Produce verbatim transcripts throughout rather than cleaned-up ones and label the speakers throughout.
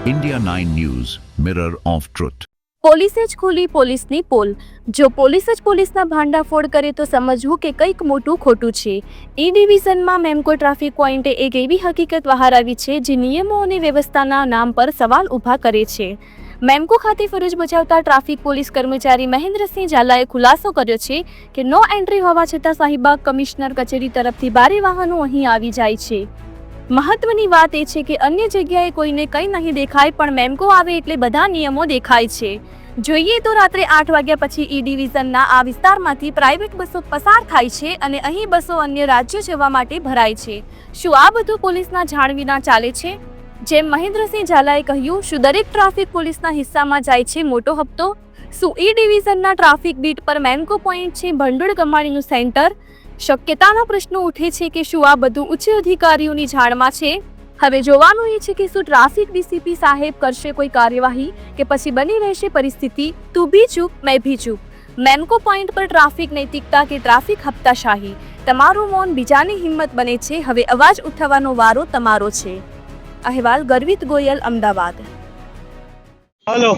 Speaker 1: India nine News, Mirror of Truth.
Speaker 2: પોલીસે જ ખોલી પોલીસની પોલ. જો પોલીસ જ પોલીસના ભાંડાફોડ કરે તો સમજવું કે કંઈક મોટું ખોટું છે. ઈ ડિવિઝનમાં મેમકો ટ્રાફિક પોઈન્ટે એક એવી હકીકત બહાર આવી છે જે નિયમો અને વ્યવસ્થાના નામ પર સવાલ ઊભા કરે છે. મેમકો ખાતે ફરજ બજાવતા ટ્રાફિક પોલીસ કર્મચારી મહેન્દ્રસિંહ ઝાલાએ ખુલાસો કર્યો છે કે નો એન્ટ્રી હોવા છતાં શાહીબાગ કમિશનર કચેરી તરફથી ભારે વાહનો અહીં આવી જાય છે. મહત્વની વાત એ છે કે અન્ય જગ્યાએ કોઈને કંઈ નહીં દેખાય, પણ મેમકો આવે એટલે બધા નિયમો દેખાય છે. જોઈએ તો રાત્રે આઠ વાગ્યા પછી ઈ ડિવિઝનના આ વિસ્તારમાંથી પ્રાઇવેટ બસો પસાર થાય છે અને અહીં બસો અન્ય રાજ્યો જવા માટે ભરાય છે. શું આ બધું પોલીસના જાણ વિના ચાલે છે? જેમ મહેન્દ્રસિંહ ઝાલાએ કહ્યું, શું દરેક ટ્રાફિક પોલીસના હિસ્સામાં જાય છે મોટો હપ્તો? શું ઈ ડિવિઝનના ટ્રાફિક બીટ પર મેમકો પોઈન્ટ છે ભંડોળ કમાણીનું સેન્ટર? શક્યતાનો પ્રશ્ન ઉઠે છે કે શું આ બધું ઉચ્ચ અધિકારીઓની જાણમાં છે? હવે જોવાનું એ છે કે શું ટ્રાફિક ડીસીપી સાહેબ કરશે કોઈ કાર્યવાહી કે પછી બની રહેશે પરિસ્થિતિ તું ભી ચૂપ મેં ભી ચૂપ. મેમકો પોઈન્ટ પર ટ્રાફિક નૈતિકતા કે ટ્રાફિક હપ્તાશાહી? તમારું મૌન બીજાની હિંમત બને છે. હવે અવાજ ઉઠાવવાનો વારો તમારો છે. અહેવાલ ગર્વિત ગોયલ, અમદાવાદ.
Speaker 3: हेलो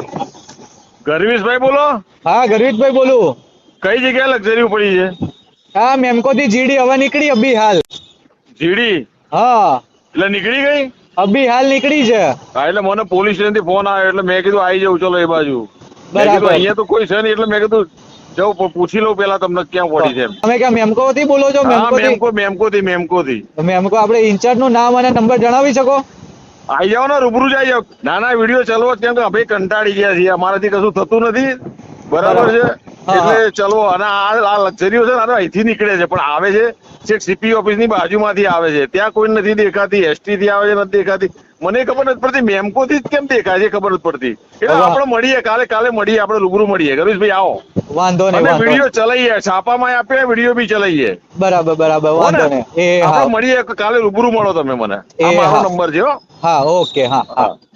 Speaker 4: ગરવીશભાઈ બોલો.
Speaker 3: हाँ गर्वित भाई बोलूं.
Speaker 4: કઈ જગ્યાએ લક્ઝરી પડી છે?
Speaker 3: हाँ मेमको थी जीडी हवा निकली अभी हाल.
Speaker 4: જીડી
Speaker 3: हाँ
Speaker 4: એટલે નીકળી ગઈ?
Speaker 3: अभी हाल निकली છે.
Speaker 4: હા, એટલે મને પોલીસ સ્ટેશન થી ફોન આવ્યો એટલે મેં કીધું આવી જાઉં ચલો એ બાજુ. મેં
Speaker 3: બરાબર.
Speaker 4: કીધું અહીંયા તો કોઈ છે નહીં એટલે મેં કીધું જાઉં પણ પૂછી લઉં પેલા તમને ક્યાં પડી છે એમ.
Speaker 3: તમે ક્યાં મેમકો થી બોલો છો?
Speaker 4: હા,
Speaker 3: મેમકો થી
Speaker 4: મેમકો મેમકો થી મેમકો થી
Speaker 3: મેમકો આપણે ઇન્ચાર્જ નું નામ અને નંબર જણાવી શકો?
Speaker 4: આવી જાઓ ને, રૂબરૂ જ આવી જાઓ. નાના વિડીયો ચલવો કેમ કે અમે કંટાળી ગયા છીએ, અમારાથી કશું થતું નથી. બરાબર છે,
Speaker 3: હા,
Speaker 4: એટલે ચલવો. અને આ આ લક્ઝરીઓ છે ને આ અહીંથી નીકળે છે પણ આવે છે છેક સીપી ઓફિસ ની બાજુમાંથી આવે છે. ત્યાં કોઈ નથી દેખાતી. એસટી થી આવે છે નથી દેખાતી. મને ખબર નથી પડતી મેમકો થી જ કેમ દેખાય છે ખબર નથી પડતી. એટલે
Speaker 3: હવે-
Speaker 4: આપણે મળીએ કાલે કાલે મળીએ આપણે રૂબરૂ મળીએ. ગરીશભાઈ આવો
Speaker 3: વાંધો નહીં
Speaker 4: અને
Speaker 3: વાંધો
Speaker 4: વિડીયો ચલાવીએ, છાપામાં આપીએ, વિડીયો બી ચલાવીએ.
Speaker 3: બરાબર બરાબર
Speaker 4: હો
Speaker 3: વાંધો
Speaker 4: ને?
Speaker 3: નહીં. એ હા
Speaker 4: આપણે મળીએ કાલે રૂબરૂ મળો તમે મને.
Speaker 3: એ
Speaker 4: આ મારો
Speaker 3: હા.
Speaker 4: નંબર છે હો.
Speaker 3: હા ઓકે હા હા
Speaker 4: હા.